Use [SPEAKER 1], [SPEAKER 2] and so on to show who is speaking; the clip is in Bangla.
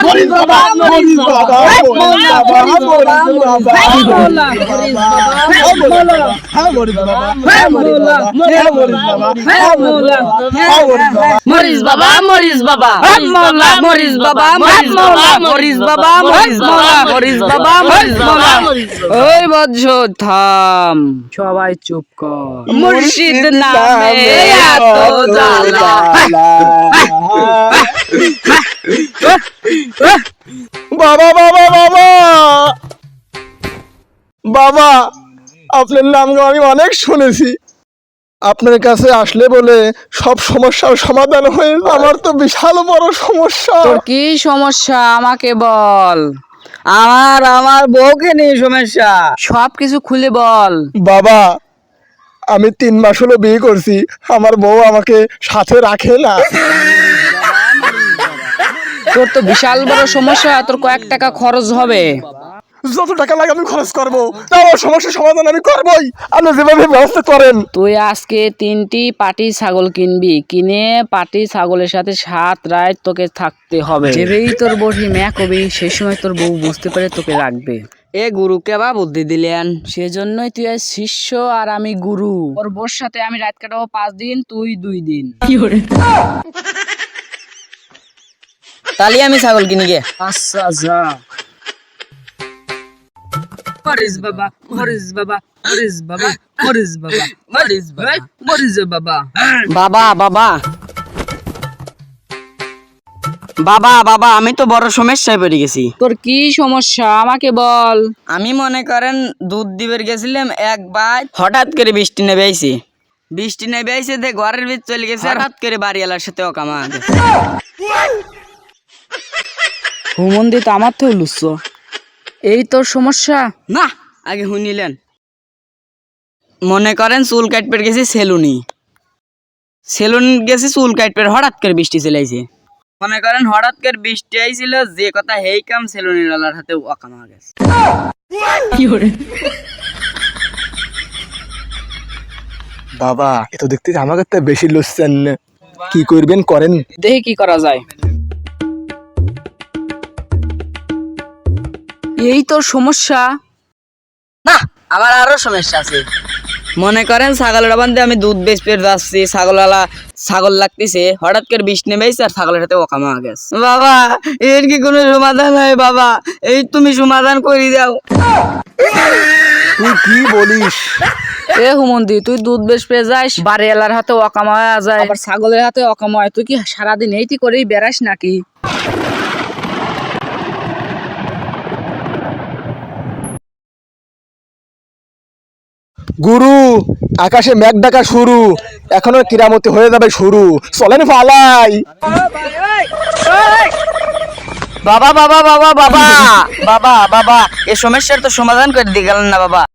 [SPEAKER 1] মরিস বাবা মরিস বাবা
[SPEAKER 2] মরিস বাবা মরিস বাবা মরিস বাবা মরিস বাবা মরিস বাবা মরিস বাবা মরিস বাবা মরিস বাবা ওই বজ্র থাম, সবাই চুপ কর। মুর্শিদ নামে এত জ্বালা।
[SPEAKER 1] বাবা বাবা বাবা বাবা, আপনার নাম আমি অনেক শুনেছি। আপনার কাছে আসলে বলে সব সমস্যার সমাধান হয়ে যায়। আমার তো বিশাল বড় সমস্যা।
[SPEAKER 2] তোর কি সমস্যা আমাকে বল। আমার বউকে নিয়ে সমস্যা, সব কিছু খুলে বল।
[SPEAKER 1] বাবা, আমি 3 মাস হলো বিয়ে করছি, আমার বউ আমাকে সাথে রাখে না।
[SPEAKER 2] তোর তো বিশাল বড় সমস্যা, তোর কয়েক টাকা খরচ হবে।
[SPEAKER 1] যত টাকা লাগে আমি খরচ করবো, আমার সমস্যার সমাধান আমি করবোই। আপনি যেভাবে ব্যবস্থা করেন।
[SPEAKER 2] তুই আজকে 3টি পাটি ছাগল কিনবি, কিনে পাটি ছাগলের সাথে 7 রাত তোকে থাকতে হবে। যেবেই তোর বটি ম্যাক হবি, সেই সময় তোর বউ বুঝতে পারে তোকে রাখবে। এ গুরুকে বা বুদ্ধি দিলেন, সেজন্যই তুই আজ শিষ্য আর আমি গুরু। ওর বউর সাথে আমি রাত কাটাবো 5 দিন, তুই 2 দিন।
[SPEAKER 3] তাহলে আমি ছাগল কিনি গে।
[SPEAKER 2] আচ্ছা যা। মরিস বাবা মরিস বাবা মরিস বাবা মরিস বাবা মরিস বাবা মরিস বাবা।
[SPEAKER 3] বাবা বাবা বাবা বাবা, আমি তো বড় সমস্যায় পড়ে গেছি।
[SPEAKER 2] তোর কি সমস্যা আমাকে বল।
[SPEAKER 3] আমি মনে করেন দুধ দিবের গেছিলাম, একবার হঠাৎ করে বৃষ্টি নেমে আইছে। বৃষ্টি নেমে আইছে দে ঘরের ভিতর চলে গেছে, হঠাৎ করে বাড়িওয়ালার সাথে অকামা গেছে।
[SPEAKER 2] হুমন্দি তো আমার তো লুচ্ছ, এই তোর সমস্যা
[SPEAKER 3] না আগে শুনিলেন, মনে করেন চুল কাটপের গেছি সেলুন গেছি, চুল কাটপের হঠাৎ করে বৃষ্টি চলে আইছে। মনে করেন হঠাৎ করে বৃষ্টি আইছিল, যে কথা হেই কাম সেলুনিওয়ালার হাতে অকামা গেছে।
[SPEAKER 1] বাবা, এ তো দেখতে আমাকে তো বেশি লুচ্ছেন, কি করবেন করেন।
[SPEAKER 2] দেখি কি করা যায়। এই তোর সমস্যা।
[SPEAKER 3] না, আমার আরো সমস্যা আছে। মনে করেন ছাগলের বান্ধে আমি দুধ বেচতে যাচ্ছি, ছাগল লাগতেছে, হঠাৎ করে বৃষ্টি নেমে আইছে আর ছাগলের সাথে ওকামা গেছে। বাবা, এর কি কোনো সমাধান হয় বাবা? এই তুমি সমাধান করে দাও।
[SPEAKER 1] তুই কি বলিস?
[SPEAKER 2] এ হুমন্দি, তুই দুধ বেশ পেয়ে যাস, বাড়িওয়ালার হাতে অকামা হয়ে যায়, আবার ছাগলের হাতে অকামা হয়। তুই কি সারাদিন এইটি করেই বেড়াস নাকি?
[SPEAKER 1] গুরু, আকাশে মেঘ ডাকা শুরু, এখনো কিরামতি হয়ে যাবে শুরু, চলেন পালাই।
[SPEAKER 3] বাবা বাবা বাবা বাবা বাবা বাবা, এই সমস্যার তো সমাধান করে দিয়ে গেলেন না বাবা।